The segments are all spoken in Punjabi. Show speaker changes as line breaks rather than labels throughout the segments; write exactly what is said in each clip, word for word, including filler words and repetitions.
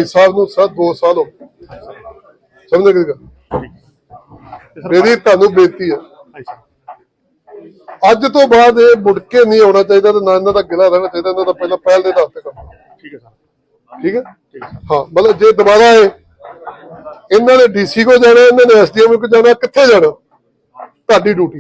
ਸਾਹਿਬ ਨੂੰ ਸਰ ਦੋ ਸਾਲ ਹੋ ਗਏ ਸਮਝ ਗਏ ਗੱਲ। ਮੇਰੀ ਤੁਹਾਨੂੰ ਬੇਨਤੀ ਹੈ ਅੱਜ ਤੋਂ ਬਾਅਦ ਇਹ ਮੁੜ ਕੇ ਨਹੀਂ ਆਉਣਾ ਚਾਹੀਦਾ ਤੇ ਨਾ ਇਹਨਾਂ ਦਾ ਗਿਲਾ ਰਹਿਣਾ ਚਾਹੀਦਾ। ਇਹਨਾਂ ਦਾ ਪਹਿਲਾਂ ਪਹਿਲ ਦੇ ਆਧਾਰ ਤੇ ਕੰਮ ਠੀਕ ਹੈ ਸਰ ਠੀਕ ਹੈ ਹਾਂ। ਮਤਲਬ ਜੇ ਦੁਬਾਰਾ ਆਏ ਇਹਨਾਂ ਨੇ ਡੀਸੀ ਕੋ ਜਾਣਾ, ਇਹਨਾਂ ਨੇ ਐਸਡੀਐਮ ਕੋ ਜਾਣਾ, ਕਿੱਥੇ ਜਾਣਾ ਤੁਹਾਡੀ ਡਿਊਟੀ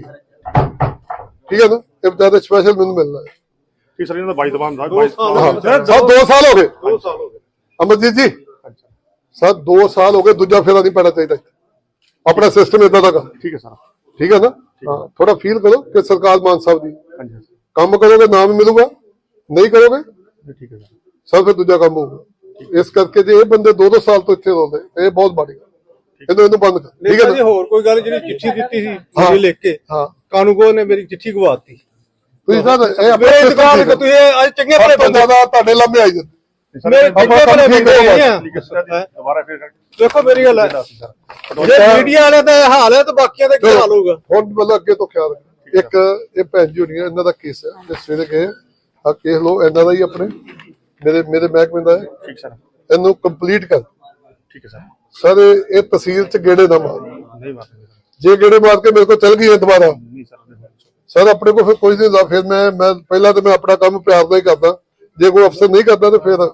ਠੀਕ ਹੈ ਨਾ। ਇਹ ਬਤਾ ਸਪੈਸ਼ਲ ਮੈਨੂੰ ਮਿਲਣਾ ਹੈ
ਠੀਕ ਸਰ। ਇਹਨਾਂ ਦਾ ਬਾਈ ਦਬਾਨ ਦਾ
ਦੋ ਸਾਲ ਹੋ ਗਏ ਦੋ ਸਾਲ ਹੋ ਗਏ ਅਮਰਜੀਤ ਜੀ ਸਰ ਦੋ ਸਾਲ ਹੋ ਗਏ। ਦੂਜਾ ਫੇਰਾ ਨਹੀਂ ਪੈਣਾ ਚਾਹੀਦਾ ਆਪਣਾ ਸਿਸਟਮ ਇਦਾਂ ਦਾ
ਠੀਕ ਹੈ ਸਰ
ਠੀਕ ਹੈ ਨਾ। ਹਾਂ ਥੋੜਾ ਫੀਲ ਕਰੋ ਕਿ ਸਰਕਾਰ ਮਾਨ ਸਾਹਿਬ ਦੀ ਕੰਮ ਕਰੋਗੇ ਨਾਮ ਮਿਲੂਗਾ, ਨਹੀਂ ਕਰੋਗੇ
ਠੀਕ ਹੈ
ਸਰ ਫਿਰ ਦੂਜਾ ਕੰਮ ਹੋਊਗਾ। ਇਸ ਕਰਕੇ ਜੇ ਇਹ ਬੰਦੇ ਦੋ ਦੋ ਸਾਲ ਤੋਂ ਇੱਥੇ ਰਹਿੰਦੇ ਇਹ ਬਹੁਤ ਮਾੜੀ ਗੱਲ। ਇਹਨੂੰ ਇਹਨੂੰ ਬੰਦ ਕਰ ਠੀਕ ਹੈ ਨਾ।
ਹੋਰ ਕੋਈ ਗੱਲ ਜਿਹੜੀ ਚਿੱਠੀ ਦਿੱਤੀ ਸੀ ਜਿਹੜੀ ਲਿਖ ਕੇ
ਹਾਂ
ਕਾਨੂੰਗੋ ਨੇ ਮੇਰੀ ਚਿੱਠੀ ਗਵਾਤੀ।
ਤੁਸੀਂ ਸਰ ਇਹ
ਆਪਣੇ ਦੁਕਾਨ ਤੇ ਤੁਸੀਂ ਅੱਜ ਚੰਗੇ ਭਲੇ ਬੰਦੇ
ਦਾ ਤੁਹਾਡੇ ਲੰਮੇ ਆਈ ਜਾਂਦੇ
ਮੇਰੇ ਚੰਗੇ ਭਲੇ ਬੰਦੇ ਆ।
ਦੁਬਾਰਾ ਫਿਰ
ਦੇਖੋ ਮੇਰੀ ਗੱਲ ਹੈ ਜੇ ਮੀਡੀਆ ਵਾਲੇ ਦਾ ਹਾਲ ਹੈ ਤਾਂ ਬਾਕੀਆਂ ਦਾ ਕੀ ਹਾਲ ਹੋਊਗਾ।
ਹੁਣ ਮਤਲਬ ਅੱਗੇ ਤੋਂ ਖਿਆਲ ਰੱਖਣਾ। ਇੱਕ ਇਹ ਭੈਣ ਜੀ ਹੋਣੀ ਇਹਨਾਂ ਦਾ ਕੇਸ ਹੈ ਤੇ ਸਵੇਰੇ ਗਏ ਆ ਕੇਸ ਲੋ ਇਹਨਾਂ ਦਾ ਹੀ ਆਪਣੇ ਮੇਰੇ ਮੇਰੇ ਮਹਿਕਮੇ ਦਾ ਹੈ
ਠੀਕ ਸਰ।
ਇਹਨੂੰ ਕੰਪਲੀਟ ਕਰ
ਠੀਕ ਹੈ ਸਰ।
ਸਰ ਇਹ ਤਹਿਸੀਲ ਚ ਗੇੜੇ ਨਾ ਮਾਰ
ਨਹੀਂ ਮਾਰਦੇ
ਜੇ ਗੇੜੇ ਮਾਰ ਕੇ ਮੇਰੇ ਕੋਲ ਚੱਲ ਗਈ ਹੈ ਦੁਬਾਰਾ
ਨਹੀਂ ਸਰ
ਸਰ ਆਪਣੇ ਕੋਲ ਫਿਰ ਕੋਈ ਨਹੀਂ ਹੁੰਦਾ। ਫਿਰ ਮੈਂ ਮੈਂ ਪਹਿਲਾਂ ਤਾਂ ਮੈਂ ਆਪਣਾ ਕੰਮ ਪਿਆਰ ਨਾਲ ਹੀ ਕਰਦਾ। ਜੇ ਕੋਈ ਅਫਸਰ ਨਹੀਂ ਕਰਦਾ ਤਾਂ ਫਿਰ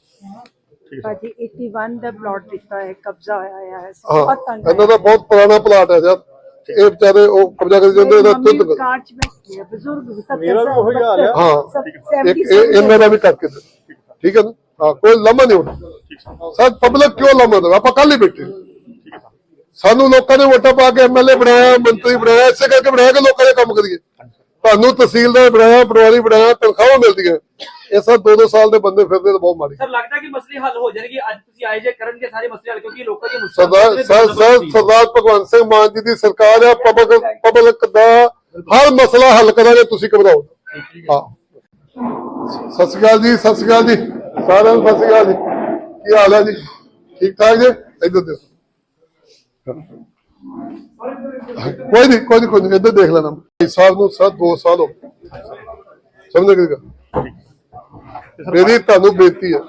ਭਾਜੀ ਇਕਤਾਲੀ ਦਾ ਪਲਾਟ ਦਿੱਤਾ ਹੈ, ਕਬਜ਼ਾ ਹੋਇਆ ਹੈ।
ਹਾਂ ਇਹਨਾਂ ਦਾ ਬਹੁਤ ਪੁਰਾਣਾ ਪਲਾਟ ਹੈ ਯਾਰ। ਇਹ ਵਿਚਾਰੇ ਉਹ ਕਬਜ਼ਾ ਕਰੀ ਜਾਂਦੇ ਇਹਦਾ ਤੁੱਤ
ਬਜ਼ੁਰਗ
ਮੇਰਾ ਵੀ ਉਹੀ ਹਾਲ ਹੈ।
ਹਾਂ ਇੱਕ ਇਹਨਾਂ ਦਾ ਵੀ ਕਰਕੇ ਦੇ ਠੀਕ ਹੈ ਨਾ। ਹਾਂ ਕੋਈ ਲੰਮਾ ਨਹੀਂ ਹੋਣਾ ਸਰ। ਪਬਲਿਕ ਕਿਉਂ ਲੰਮਾ ਦੇਵੇ? ਆਪਾਂ ਕੱਲ ਹੀ ਬੈਠੇ ਸਾਨੂੰ ਲੋਕਾਂ ਨੇ ਵੋਟਾਂ ਪਾ ਕੇ ਐਮਐਲਏ ਬਣਾਇਆ, ਮੰਤਰੀ ਬਣਾਇਆ, ਇਸੇ ਕਰਕੇ ਬਣਾਇਆ ਕਿ ਲੋਕਾਂ ਦੇ ਕੰਮ ਕਰੀਏ। ਤੁਹਾਨੂੰ ਤਹਿਸੀਲਦਾਰ ਬਣਾਇਆ, ਪਟਵਾਰੀ ਬਣਾਇਆ, ਤਨਖਾਹਾਂ ਮਿਲਦੀਆਂ। ਇਹ ਸਭ ਦੋ ਦੋ ਸਾਲ ਦੇ ਬੰਦੇ ਫਿਰਦੇ ਤਾਂ ਬਹੁਤ ਮਾੜੀ।
ਸਰ ਲੱਗਦਾ ਕਿ ਮਸਲੇ ਹੱਲ ਹੋ ਜਾਣਗੇ ਅੱਜ ਤੁਸੀਂ ਆਏ ਜੇ ਕਰਨਗੇ ਸਾਰੇ ਮਸਲੇ ਹੱਲ ਕਿਉਂਕਿ ਲੋਕਾਂ ਦੀ
ਸਰਦਾਰ ਸਰ ਸਰਦਾਰ ਭਗਵੰਤ ਸਿੰਘ ਮਾਨ ਜੀ ਦੀ ਸਰਕਾਰ ਹੈ। ਪਬਲਿਕ ਪਬਲਿਕ ਦਾ ਹਰ ਮਸਲਾ ਹੱਲ ਕਰਾਂਗੇ, ਤੁਸੀਂ ਘਬਰਾਓ ਹਾਂ। ਸਤਿ ਸ਼੍ਰੀ ਅਕਾਲ ਜੀ। ਸਤਿ ਸ਼੍ਰੀ ਅਕਾਲ ਜੀ ਸਾਰਿਆਂ ਨੂੰ। ਸਤਿ ਸ਼੍ਰੀ ਅਕਾਲ ਜੀ। ਕੀ ਹਾਲ ਹੈ ਜੀ? ਠੀਕ ਠਾਕ ਜੀ? ਇੱਧਰ ਦੇਖੋ ਕੋਈ ਨਹੀਂ ਕੋਈ ਨਹੀਂ ਕੋਈ ਨਹੀਂ ਇੱਧਰ ਦੇਖ ਲੈਣਾ। ਭਾਈ ਸਾਹਿਬ ਨੂੰ ਸਰ ਦੋ ਸਾਲ ਹੋ ਗਏ ਸਮਝ ਗਏ ਗੱਲ। ਮੇਰੀ ਤੁਹਾਨੂੰ ਬੇਨਤੀ ਹੈ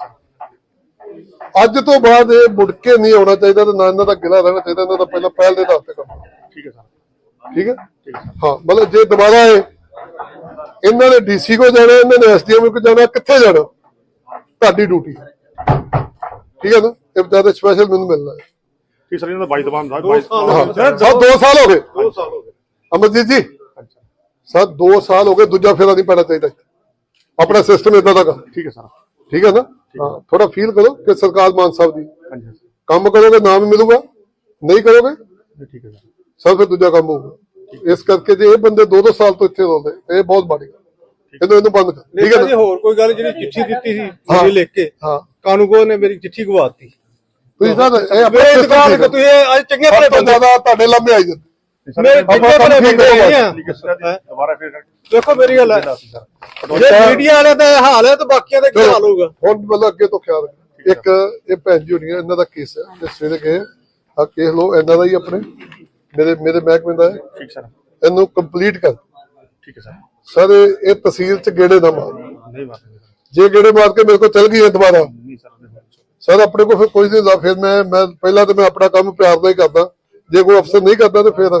ਅੱਜ ਤੋਂ ਬਾਅਦ ਇਹ ਮੁੜ ਕੇ ਨਹੀਂ ਆਉਣਾ ਚਾਹੀਦਾ ਤੇ ਨਾ ਇਹਨਾਂ ਦਾ ਗਿਲਾ ਰਹਿਣਾ ਚਾਹੀਦਾ। ਇਹਨਾਂ ਦਾ ਪਹਿਲਾਂ ਪਹਿਲ ਦੇ ਆਧਾਰ ਤੇ ਕੰਮ
ਠੀਕ ਹੈ ਸਰ
ਠੀਕ ਹੈ ਹਾਂ। ਮਤਲਬ ਜੇ ਦੁਬਾਰਾ ਆਏ ਇਹਨਾਂ ਨੇ ਡੀਸੀ ਕੋ ਜਾਣਾ, ਇਹਨਾਂ ਨੇ ਐਸਡੀਐਮ ਕੋ ਜਾਣਾ, ਕਿੱਥੇ ਜਾਣਾ ਤੁਹਾਡੀ ਡਿਊਟੀ ਠੀਕ ਹੈ ਨਾ। ਇਹ ਬਤਾ ਸਪੈਸ਼ਲ ਮੈਨੂੰ ਮਿਲਣਾ ਹੈ
ਠੀਕ ਸਰ। ਇਹਨਾਂ ਦਾ ਬਾਈ ਦਬਾਨ ਦਾ
ਸਰ ਦੋ ਸਾਲ ਹੋ ਗਏ ਦੋ ਸਾਲ ਹੋ ਗਏ ਅਮਰਜੀਤ ਜੀ ਸਰ ਦੋ ਸਾਲ ਹੋ ਗਏ। ਦੂਜਾ ਫੇਰਾ ਨਹੀਂ ਪੈਣਾ ਚਾਹੀਦਾ ਆਪਣਾ ਸਿਸਟਮ ਇਦਾਂ ਦਾ
ਠੀਕ ਹੈ ਸਰ
ਠੀਕ ਹੈ ਨਾ। ਹਾਂ ਥੋੜਾ ਫੀਲ ਕਰੋ ਕਿ ਸਰਕਾਰ ਮਾਨ ਸਾਹਿਬ ਦੀ
ਹਾਂਜੀ
ਕੰਮ ਕਰੋਗੇ ਨਾਮ ਮਿਲੂਗਾ, ਨਹੀਂ ਕਰੋਗੇ
ਠੀਕ ਹੈ ਸਰ
ਸਰ ਫਿਰ ਦੂਜਾ ਕੰਮ ਹੋਊਗਾ। ਇਸ ਕਰਕੇ ਜੇ ਇਹ ਬੰਦੇ ਦੋ ਦੋ ਸਾਲ ਤੋਂ ਇੱਥੇ ਰਹਿੰਦੇ ਇਹ ਬਹੁਤ ਮਾੜੀ ਗੱਲ। ਇਹਨੂੰ ਇਹਨੂੰ ਬੰਦ ਕਰ ਠੀਕ ਹੈ ਨਾ।
ਹੋਰ ਕੋਈ ਗੱਲ ਜਿਹੜੀ ਚਿੱਠੀ ਦਿੱਤੀ ਸੀ ਜਿਹੜੀ ਲਿਖ ਕੇ
ਹਾਂ
ਕਾਨੂੰਗੋ ਨੇ ਮੇਰੀ ਚਿੱਠੀ ਗਵਾਤੀ।
ਤੁਸੀਂ ਸਰ ਇਹ
ਮੇਰੇ ਦੁਕਾਨ ਤੇ ਤੁਸੀਂ ਅੱਜ ਚੰਗੇ ਭਲੇ ਬੰਦੇ
ਦਾ ਤੁਹਾਡੇ ਲੰਮੇ ਆਈ ਜਾਂਦੇ
ਮੇਰੇ ਚੰਗੇ ਭਲੇ ਬੰਦੇ ਆ।
ਦੁਬਾਰਾ ਫਿਰ
ਦੇਖੋ ਮੇਰੀ ਗੱਲ ਹੈ ਜੇ ਮੀਡੀਆ ਵਾਲੇ ਦਾ ਹਾਲ ਹੈ ਤਾਂ ਬਾਕੀਆਂ ਦਾ ਕੀ ਹਾਲ ਹੋਊਗਾ।
ਹੁਣ ਮਤਲਬ ਅੱਗੇ ਤੋਂ ਖਿਆਲ ਰੱਖਣਾ। ਇੱਕ ਇਹ ਭੈਣ ਜੀ ਹੋਣੀ ਇਹਨਾਂ ਦਾ ਕੇਸ ਹੈ ਤੇ ਸਵੇਰੇ ਗਏ ਆ ਕੇਸ ਲੋ ਇਹਨਾਂ ਦਾ ਹੀ ਆਪਣੇ ਮੇਰੇ ਮੇਰੇ ਮਹਿਕਮੇ ਦਾ ਹੈ
ਠੀਕ ਸਰ।
ਇਹਨੂੰ ਕੰਪਲੀਟ ਕਰ
ਠੀਕ ਹੈ ਸਰ।
ਸਰ ਇਹ ਤਹਿਸੀਲ ਚ ਗੇੜੇ ਨਾ ਮਾਰ
ਨਹੀਂ ਮਾਰਦੇ
ਜੇ ਗੇੜੇ ਮਾਰ ਕੇ ਮੇਰੇ ਕੋਲ ਚੱਲ ਗਈ ਹੈ ਦੁਬਾਰਾ
ਨਹੀਂ ਸਰ
ਸਰ ਆਪਣੇ ਕੋਲ ਫਿਰ ਕੋਈ ਨਹੀਂ ਹੁੰਦਾ। ਫਿਰ ਮੈਂ ਮੈਂ ਪਹਿਲਾਂ ਤਾਂ ਮੈਂ ਆਪਣਾ ਕੰਮ ਪਿਆਰ ਨਾਲ ਹੀ ਕਰਦਾ। ਜੇ ਕੋਈ ਅਫਸਰ ਨਹੀਂ ਕਰਦਾ ਤਾਂ ਫਿਰ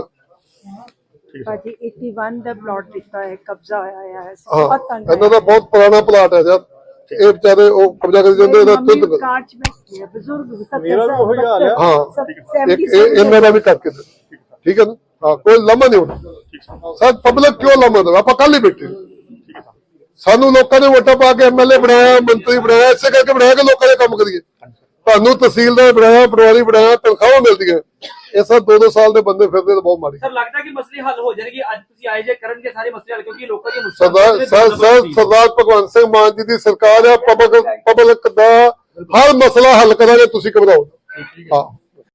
ਭਾਜੀ ਇਕਤਾਲੀ ਦਾ ਪਲਾਟ ਦਿੱਤਾ ਹੈ, ਕਬਜ਼ਾ ਹੋਇਆ ਹੈ।
ਹਾਂ ਇਹਨਾਂ ਦਾ ਬਹੁਤ ਪੁਰਾਣਾ ਪਲਾਟ ਹੈ ਯਾਰ। ਇਹ ਵਿਚਾਰੇ ਉਹ ਕਬਜ਼ਾ ਕਰੀ ਜਾਂਦੇ ਇਹਦਾ ਤੁੱਤ
ਬਜ਼ੁਰਗ
ਮੇਰਾ ਵੀ ਉਹੀ ਹਾਲ ਹੈ।
ਹਾਂ ਇੱਕ ਇਹਨਾਂ ਦਾ ਵੀ ਕਰਕੇ ਦੇ ਠੀਕ ਹੈ ਨਾ। ਹਾਂ ਕੋਈ ਲੰਮਾ ਨਹੀਂ ਹੋਣਾ ਸਰ। ਪਬਲਿਕ ਕਿਉਂ ਲੰਮਾ ਦੇਵੇ? ਆਪਾਂ ਕੱਲ ਹੀ ਬੈਠੇ ਸਾਨੂੰ ਲੋਕਾਂ ਨੇ ਵੋਟਾਂ ਪਾ ਕੇ ਐਮਐਲਏ ਬਣਾਇਆ, ਮੰਤਰੀ ਬਣਾਇਆ, ਇਸੇ ਕਰਕੇ ਬਣਾਇਆ ਕਿ ਲੋਕਾਂ ਦੇ ਕੰਮ ਕਰੀਏ। ਤੁਹਾਨੂੰ ਤਹਿਸੀਲਦਾਰ ਬਣਾਇਆ, ਪਟਵਾਰੀ ਬਣਾਇਆ, ਤਨਖਾਹਾਂ ਮਿਲਦੀਆਂ। ਇਹ ਸਭ ਦੋ ਦੋ ਸਾਲ ਦੇ ਬੰਦੇ ਫਿਰਦੇ ਤਾਂ ਬਹੁਤ ਮਾੜੀ।
ਸਰ ਲੱਗਦਾ ਕਿ ਮਸਲੇ ਹੱਲ ਹੋ ਜਾਣਗੇ ਅੱਜ ਤੁਸੀਂ ਆਏ ਜੇ ਕਰਨਗੇ ਸਾਰੇ ਮਸਲੇ ਹੱਲ ਕਿਉਂਕਿ ਲੋਕਾਂ ਦੀ
ਸਰਦਾਰ ਸਰ ਸਰ ਸਰਦਾਰ ਭਗਵੰਤ ਸਿੰਘ ਮਾਨ ਜੀ ਦੀ ਸਰਕਾਰ ਹੈ। ਪਬਲਿਕ ਪਬਲਿਕ ਦਾ ਹਰ ਮਸਲਾ ਹੱਲ ਕਰਾਂਗੇ, ਤੁਸੀਂ ਘਬਰਾਓ ਹਾਂ।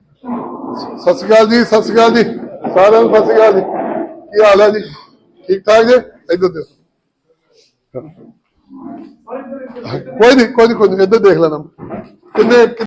ਸਤਿ ਸ਼੍ਰੀ ਅਕਾਲ ਜੀ। ਸਤਿ ਸ਼੍ਰੀ ਅਕਾਲ ਜੀ ਸਾਰਿਆਂ ਨੂੰ। ਸਤਿ ਸ਼੍ਰੀ ਅਕਾਲ ਜੀ। ਕੀ ਹਾਲ ਹੈ ਜੀ? ਠੀਕ ਠਾਕ ਜੀ? ਇੱਧਰ ਦੇਖੋ ਕੋਈ ਨਹੀਂ ਕੋਈ ਨਹੀਂ ਕੋਈ ਨਹੀਂ ਇੱਧਰ ਦੇਖ ਲੈਣਾ ਕਿੰਨੇ